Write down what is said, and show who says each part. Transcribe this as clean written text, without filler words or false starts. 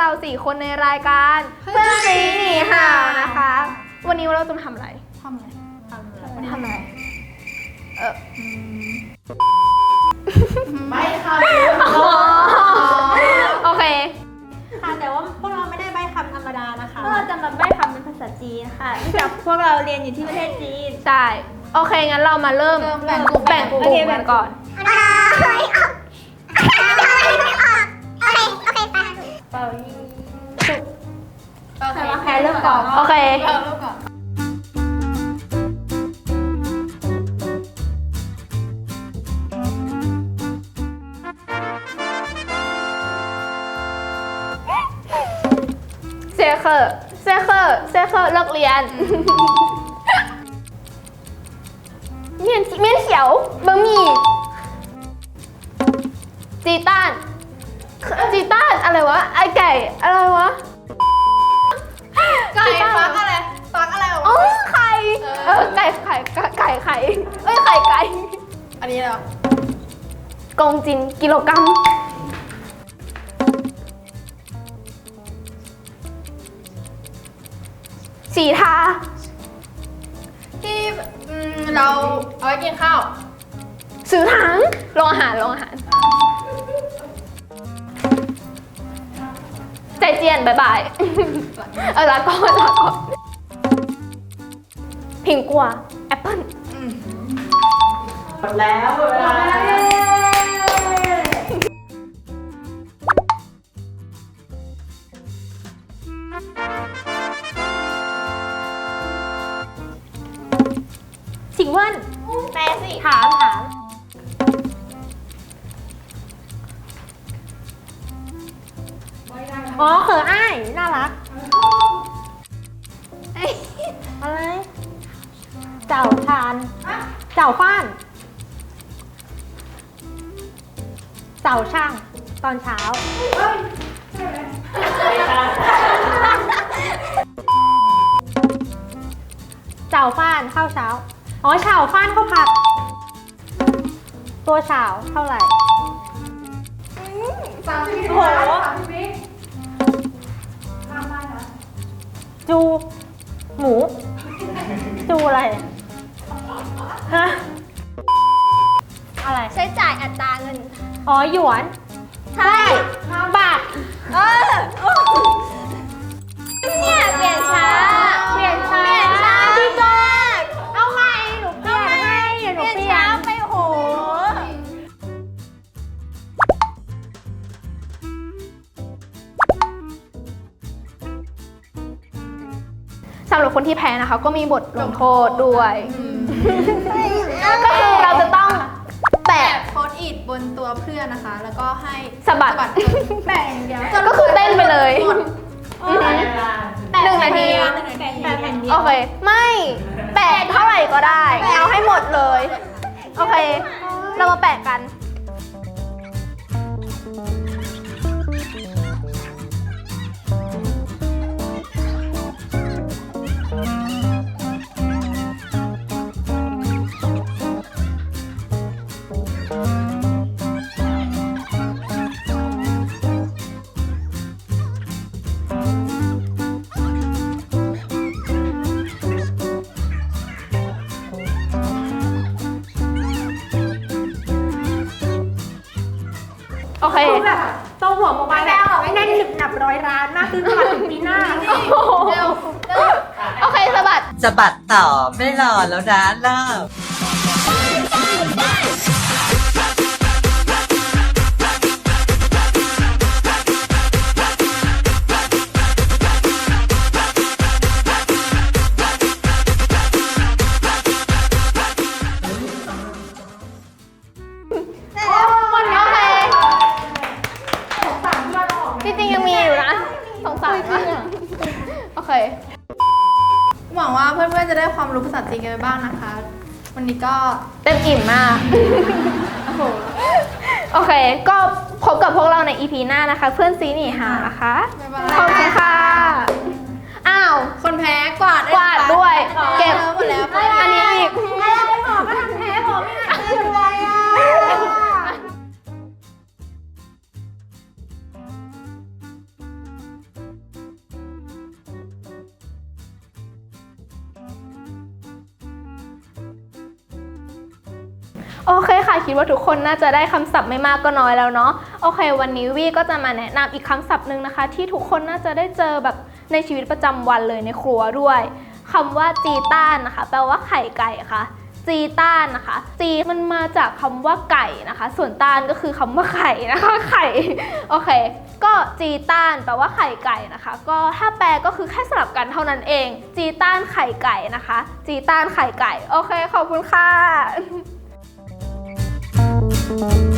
Speaker 1: เรา4คนในรายการเพื่อนซีหนีห่าวนะคะ วันนี้เราจะมาทำอะไร
Speaker 2: ไม่ค่ะ
Speaker 1: โอเค
Speaker 2: ค่ะแต่ว่าพวกเราไม่ได้ใบ้คำธรรมดานะคะ
Speaker 3: พวกเราจะมาใบ้คำเป็นภาษาจีนค่ะเนื่องจากพวกเราเรียนอยู่ที่ประเทศจีน
Speaker 1: ใช่ โอเค งั้นเรามาเริ่มแบ่งกลุ่มกันก่อน
Speaker 3: เป่ายิง
Speaker 2: ใครเริ่มก่อน
Speaker 1: โอเค เซเคอร์เลิกเรียน เมียนเขียวบะหมี่จีต้านอะไรวะ ไอไก่อะไรวะ
Speaker 2: ไก่ฟักอะไรออก
Speaker 1: อ๋อ
Speaker 2: มา
Speaker 1: ไข่ไก่เอ้ยไข่
Speaker 2: อันนี้เหรอก
Speaker 1: งจินกิโลกรัมสีทา
Speaker 2: ที่เราเอาไว้กินข้าว
Speaker 1: ซื้อถังโรงอาหารใจเจียนบายบาย ลาก่อนผิงกัวแอปเปิ้ล
Speaker 2: หมดแล้วเวลา
Speaker 3: สิงเวิน
Speaker 1: แปลสิ
Speaker 3: ถามอ๋อเขออ้ายน่ารักอะไรเจ้าทานเจ้าฟ้านเจ้าช่างตอนเช้าเจ้าฟ้านข้าวเช้าอ๋อเฉาฟ้านข้าวผัดตัวเฉาเท่าไหร่โอ้โหจูหมูจูอะไรฮะอะไร
Speaker 1: ใช้จ่ายอัตราเงิน
Speaker 3: อ๋อหยวนใช่บาท
Speaker 1: เนี่ยเปลี่ยนช้า
Speaker 3: เปลี่ยนช้า
Speaker 1: พี่ก้อน
Speaker 3: เอาใหม่หนูเปลี่ยนให้เดี๋ยวหนูเปลี่ยน
Speaker 1: ไปโหสำหรับคนที่แพ้นะคะ ก็มีบทลงโทษด้วย ก็คือเราจะต้องแปะ
Speaker 2: โพสต์อิทบนตัวเพื่อนนะคะ แล้วก็ให้
Speaker 1: สะบัด
Speaker 2: แปะอย่างเดียว
Speaker 1: ก็คือเต้นไปเลย
Speaker 2: หมด
Speaker 1: 1 นาที
Speaker 3: แปะแผ่นเดียว
Speaker 1: โอเค ไม่แปะเท่าไหร่ก็ได้ เอาให้หมดเลย โอเค เรามาแปะกัน โอเค
Speaker 3: แบบโตหัวโมบายแบบแน่นหนึบหนับร้อยร้านมากขึ้นกว่าถึงปีหน้า
Speaker 1: โอเคสะบัด
Speaker 4: จะบัดต่อไม่รอแล้วนะเริ่ม
Speaker 1: โอเคจริงๆยังมีอยู่นะสงสารมากโอเค
Speaker 2: หวังว่าเพื่อนๆจะได้ความรู้ภาษาจีนกันไปบ้างนะคะ วันนี้ก็
Speaker 1: เต็มอิ่มมาก
Speaker 2: โอ้โห
Speaker 1: โอเค ก็พบกับพวกเราใน EP หน้านะคะ เพื่อนซีหนีห่าวนะคะ
Speaker 2: บ๊ายบาย
Speaker 1: ขอบคุณค่ะ อ้าว
Speaker 2: คนแพ้กวาด
Speaker 1: กวาดด้วย เก็บ
Speaker 2: หมดแล้ว
Speaker 1: อันนี้อีก
Speaker 3: อะไรหมอก็ทำแพ้ผมไม่หายเลยอ่ะ
Speaker 1: โอเคค่ะคิดว่าทุกคนน่าจะได้คำศัพท์ไม่มากก็น้อยแล้วเนาะโอเควันนี้วี่ก็จะมาแนะนำอีกคำศัพท์หนึ่งนะคะที่ทุกคนน่าจะได้เจอแบบในชีวิตประจำวันเลยในครัวด้วยคำว่าจีต้านนะคะแปลว่าไข่ไก่ค่ะจีต้านนะคะจีมันมาจากคำว่าไก่นะคะส่วนต้านก็คือคำว่าไข่นะคะไข่โอเคก็จีต้านแปลว่าไข่ไก่นะคะก็ถ้าแปลก็คือแค่สลับกันเท่านั้นเองจีต้านไข่ไก่นะคะจีต้านไข่ไก่โอเคขอบคุณค่ะ